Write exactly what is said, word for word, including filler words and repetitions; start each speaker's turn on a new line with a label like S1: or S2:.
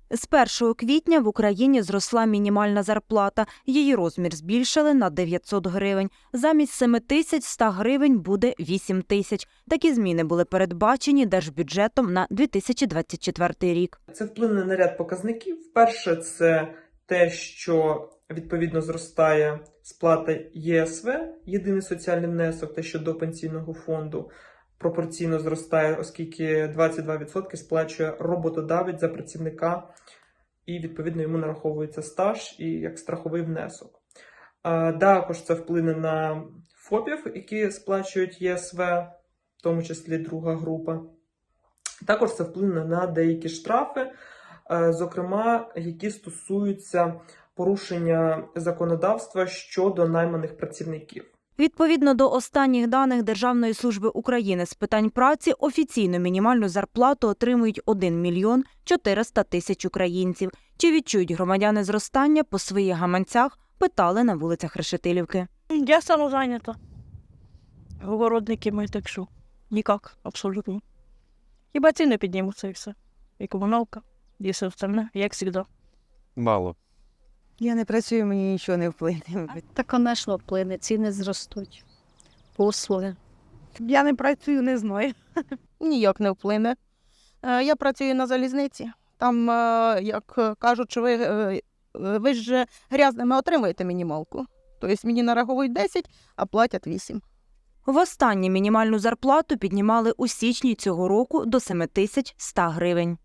S1: З першого квітня в Україні зросла мінімальна зарплата. Її розмір збільшили на дев'ятсот гривень. Замість семи тисяч ста гривень буде вісім тисяч. Такі зміни були передбачені держбюджетом на дві тисячі двадцять четвертий рік.
S2: Це вплине на ряд показників. Перше, це те, що відповідно зростає сплата Є С В, єдиний соціальний внесок, те, що до пенсійного фонду пропорційно зростає, оскільки двадцять два відсотки сплачує роботодавець за працівника, і відповідно йому нараховується стаж і як страховий внесок. А також це вплине на ФОПів, які сплачують Є С В, в тому числі друга група. Також це вплине на деякі штрафи, зокрема, які стосуються порушення законодавства щодо найманих працівників.
S1: Відповідно до останніх даних Державної служби України з питань праці, офіційну мінімальну зарплату отримують один мільйон чотириста тисяч українців. Чи відчують громадяни зростання по своїх гаманцях, питали на вулицях Решетилівки.
S3: Я самозайнята. Городники ми, так що ніяк, абсолютно. Хіба ціни піднімуться і все. І комуналка, і все остальне, як завжди.
S4: Мало.
S5: Я не працюю, мені нічого не вплине.
S6: Та, конечно, вплине, ціни зростуть, послуги.
S5: Я не працюю, не знаю.
S7: Ніяк не вплине. Е, Я працюю на залізниці. Там, е, як кажуть, що ви, е, ви ж грязними отримуєте мінімалку. Тобто мені нараховують десять, а платять вісім.
S1: Востаннє мінімальну зарплату піднімали у січні цього року до семи тисяч ста гривень.